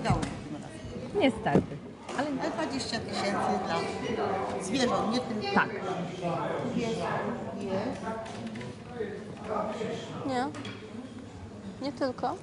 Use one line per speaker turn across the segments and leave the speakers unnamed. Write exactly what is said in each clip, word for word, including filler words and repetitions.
udało się tym razem.
Niestety. Ale
Ale dwadzieścia tysięcy dla zwierząt, nie tylko.
tak.
Jest, jest.
Nie? Nie tylko?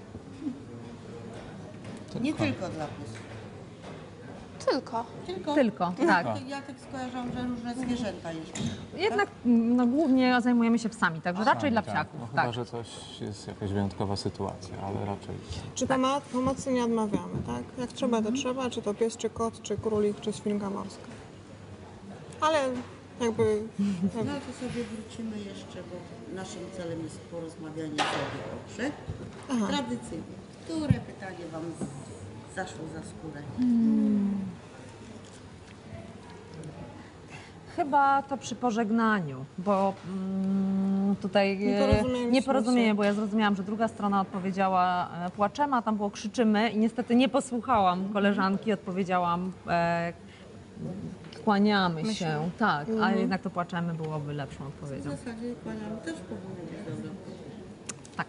Nie tylko dla psów.
Tylko.
Tylko.
Tylko, tak.
Ja tak skojarzam, że różne zwierzęta jeszcze.
Jednak no, głównie zajmujemy się psami, także raczej dla
Tak,
psiaków.
no, chyba,
Tak.
że coś jest jakaś wyjątkowa sytuacja, ale raczej...
Czy pomo- pomocy nie odmawiamy, tak? Jak trzeba, to trzeba, czy to pies, czy kot, czy królik, czy świnka morska. Ale jakby...
No to sobie wrócimy jeszcze, bo naszym celem jest porozmawianie sobie, dobrze?
Aha.
Tradycyjnie. Które pytanie Wam zaszło za skórę?
Chyba to przy pożegnaniu, bo mm, tutaj e,
Nieporozumienie
nieporozumienie, bo ja zrozumiałam, że druga strona odpowiedziała e, płaczem, a tam było krzyczymy i niestety nie posłuchałam koleżanki, odpowiedziałam e, kłaniamy się, tak, a jednak to płaczemy byłoby lepszą
W
odpowiedzią.
zasadzie kłaniam też powinno być dobre.
Tak.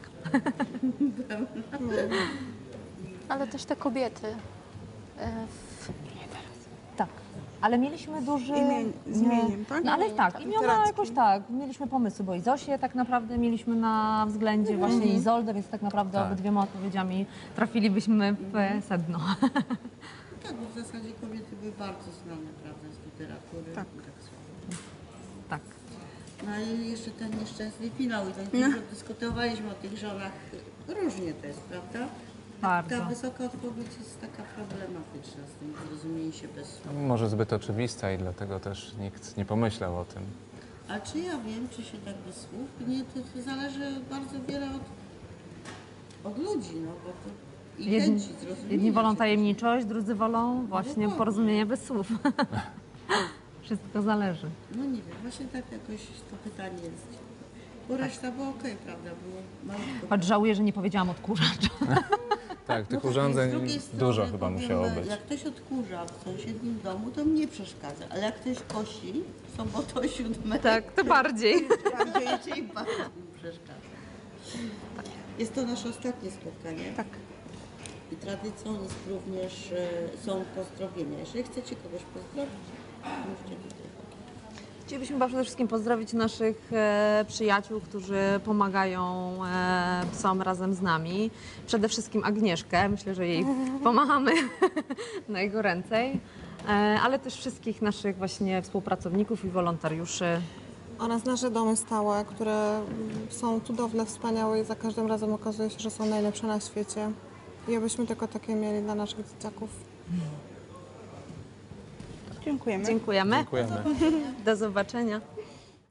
Ale też te kobiety. e, w-
Tak, ale mieliśmy duży...
Imię- z imieniem, tak?
No ale tak,
tak,
imiona
literackie.
jakoś tak, mieliśmy pomysły, bo i Zosię tak naprawdę mieliśmy na względzie, właśnie Izoldę, więc tak naprawdę
Tak.
obydwiema odpowiedziami trafilibyśmy w sedno.
Tak, bo w zasadzie kobiety były bardzo znane, prawda, z literatury.
Tak.
I tak słabo.
Tak.
No i jeszcze ten nieszczęsny finał i tak dużo dyskutowaliśmy o tych żonach. Różnie to jest, prawda?
Bardzo.
Ta wysoka odpowiedź jest taka problematyczna z tym zrozumieniem się bez słów.
Może zbyt oczywista i dlatego też nikt nie pomyślał o tym.
A czy ja wiem, czy się tak bez słów? Nie, to, to zależy bardzo wiele od, od ludzi, no bo to i
Jedni,
chęci zrozumienia.
jedni wolą
czegoś.
tajemniczość, drudzy wolą właśnie
dokładnie.
porozumienie bez słów. Wszystko zależy.
No nie wiem, właśnie tak jakoś to pytanie jest. Bo reszta była okej, prawda? Było malutko.
Choć żałuję, że nie powiedziałam odkurzacz.
Tak, tych
No tak,
urządzeń
z drugiej strony
dużo chyba
powiem,
musiało być.
Jak ktoś odkurza w sąsiednim domu, to mnie przeszkadza. Ale jak ktoś kosi w sobotę o siódmej,
Tak, to bardziej.
bardziej czy bardziej mi przeszkadza. Jest to nasze ostatnie spotkanie.
Tak.
I tradycją jest również, e, są pozdrowienia. Jeżeli chcecie kogoś pozdrowić, mówcie tutaj.
Chcielibyśmy chyba przede wszystkim pozdrowić naszych e, przyjaciół, którzy pomagają e, psom razem z nami. Przede wszystkim Agnieszkę, myślę, że jej pomachamy na jego ręcej, e, ale też wszystkich naszych właśnie współpracowników i wolontariuszy.
Oraz nasze domy stałe, które mm, są cudowne, wspaniałe i za każdym razem okazuje się, że są najlepsze na świecie. I abyśmy tylko takie mieli dla naszych dzieciaków.
Dziękujemy.
Dziękujemy.
Dziękujemy.
Do zobaczenia.